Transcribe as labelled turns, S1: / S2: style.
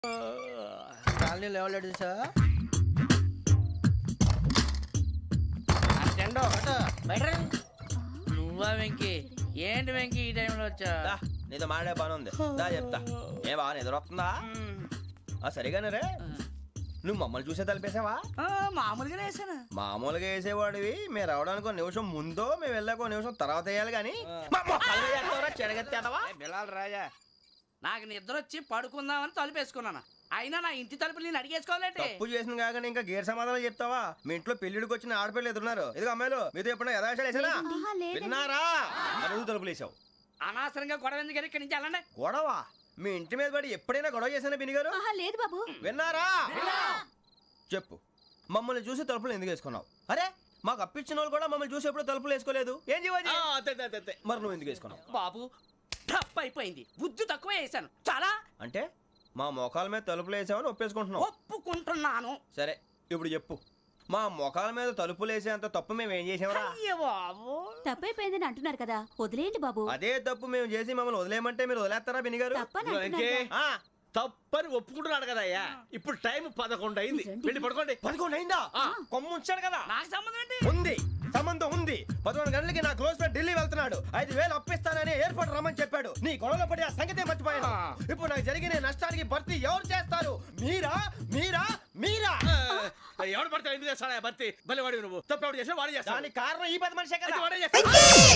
S1: Colony లేవలేడు sir.
S2: నువ్వా వెంకీ? ఏంటి వెంకీ ఈ టైంలో వచ్చా?
S1: నీతో మాడే పని ఉంది, దా చెప్తా. ఏ బాగా నిద్రొస్తుందా? సరిగానే రే, నువ్వు మమ్మల్ని చూసే తలిపేసావా?
S2: మామూలుగానే వేసాను.
S1: మామూలుగా వేసేవాడివి, మేము రావడానికి ఒక నిమిషం ముందో మేము వెళ్ళాక ఒక నిమిషం తర్వాత వేయాలి కానీ
S2: బిలాల్ రాజా, నాకు నిద్ర వచ్చి పడుకుందామని తలుపు వేసుకున్నాను. అయినా నా ఇంటి తలుపులు నేను అడిగేసుకోవాలంటే.
S1: తప్పు చేసిన కాక ఇంకా గేర్ సమాధానం చెప్తావా? మీ ఇంట్లో పెళ్లిడికి వచ్చిన ఆడపిల్లలు ఎదురున్నారు. ఇదిగో అమ్మాయిలు, మీతో ఎప్పుడైనా యథాశాలు వేసానా? విన్నారా? అడుగు తలుపులు వేసావు.
S2: అనవసరంగా గొడవ ఎందుకు? ఇక్కడి నుంచి వెళ్ళండి.
S1: గొడవ? మీ ఇంటి మీద పడి ఎప్పుడైనా గొడవ చేశానా బిని గారు?
S3: లేదు బాబు.
S1: విన్నారా? చెప్పు, మమ్మల్ని చూసి తలుపులు ఎందుకు వేసుకున్నావు? అరే, మాకు అప్పించిన వాళ్ళు కూడా మమ్మల్ని చూసి ఎప్పుడు తలుపులు వేసుకోలేదు. ఏం చేయాలి? మరి నువ్వు ఎందుకు వేసుకున్నావు?
S2: బాబు టప్ అయిపోయింది, బుద్ధి తక్కువ వేసాను చాలా. అంటే
S1: మా మోకాల మీద తలుపులు వేసామని ఒప్పేసుకుంటున్నావు?
S2: ఒప్పుకుంటున్నాను.
S1: సరే, ఇప్పుడు చెప్పు, మా మొఖాల మీద తలుపులు వేసేంత తప్పు మేము ఏం చేసామరా?
S3: తప్పైపోయిందని అంటున్నారు కదా, వదిలేయండి బాబు.
S1: అదే తప్పు మేము చేసి మమ్మల్ని వదిలేయమంటే మీరు వదిలేస్తారా బిని గారు?
S4: తప్పని ఒప్పుకుంటున్నాడు కదా అయ్యా. ఇప్పుడు టైం 11 అయింది, వెళ్ళి పడుకోండి.
S1: 11 అయిందా? కొమ్ము ఉంచాడు కదా.
S2: నాకు సంబంధం ఏంటి?
S1: ఉంది, సంబంధం ఉంది. 11 గంటలకి నా క్లోజ్ ఫ్రెండ్ ఢిల్లీ వెళ్తున్నాడు. 5,000 అప్పిస్తానని ఎయిర్పోర్ట్ రమ్మని చెప్పాడు. నీ గొడవలో పడి ఆ సంగతే మర్చిపోయాను. ఇప్పుడు నాకు జరిగిన నష్టానికి భర్తీ ఎవరు చేస్తారు? మీరా మీరా మీరా?
S4: ఎవడు పడితే ఎందుకు చేస్తాడా భర్తీ? మళ్ళీ వాడి నువ్వు తప్పు ఎవడు చేసా వాడు చేస్తా.
S1: దానికి కారణం ఈ 10 మనిషే కదా.